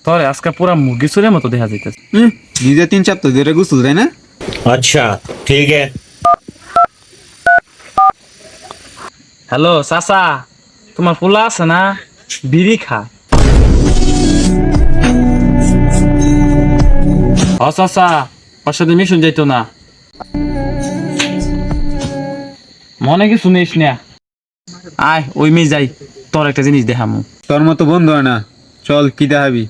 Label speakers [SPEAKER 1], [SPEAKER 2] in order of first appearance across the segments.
[SPEAKER 1] তোরে আজকে পুরা মুরগি চুরের মতো দেখা যাইতেছে।
[SPEAKER 2] নিজে 3 সপ্তাহ ধরে গোসল দেয় না।
[SPEAKER 3] अच्छा ठीक है।
[SPEAKER 1] হ্যালো চাচা, তোমার পোলা আছে না, বিড়ি খা। ও চাচা, ওর সাথে মিশন যাইতো না, মনে কিছু নিস না। আয় ওই মেয়ে যাই, তোর একটা জিনিস দেখামু।
[SPEAKER 2] তোর মতো বন্ধু হয় না, চল কি দেখাবি।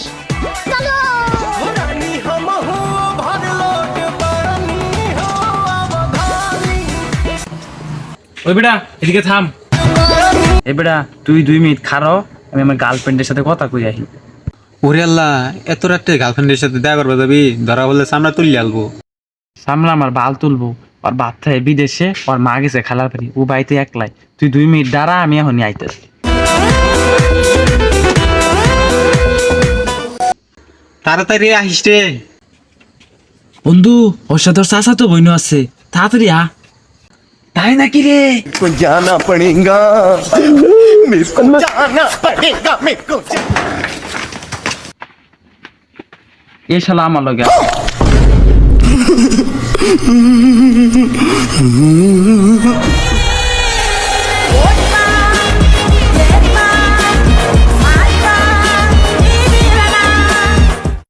[SPEAKER 1] ওই বেটা এদিকে থাম। এ বেটা তুই 2 মিনিট খারো, আমি আমার গার্লফ্রেন্ডের সাথে কথা কই আহি।
[SPEAKER 2] ওরে আল্লাহ, এত রাত্রে গার্লফ্রেন্ডের সাথে দেখা করবে যাবি? ধরা বললে সামনে তুলি আলবো।
[SPEAKER 1] সামনে আমার বাল তুলবো, আর বাপ থাকে বিদেশে, ওর মা গেছে খেলার বাড়ি, ও বাড়িতে একলাই। তুই 2 মিনিট দাঁড়া, আমি এখনই আইতেছি।
[SPEAKER 2] তাড়াতাড়ি আহিস রে।
[SPEAKER 1] বন্ধু, ওর সাথে ওর চাচা তো বইন আছে, তাড়াতাড়ি আ। তাই নাকি রে?
[SPEAKER 4] को जाना पड़ेगा मेरे को जाना पड़ेगा मेरे को
[SPEAKER 1] এ শালা আমার লগে আ।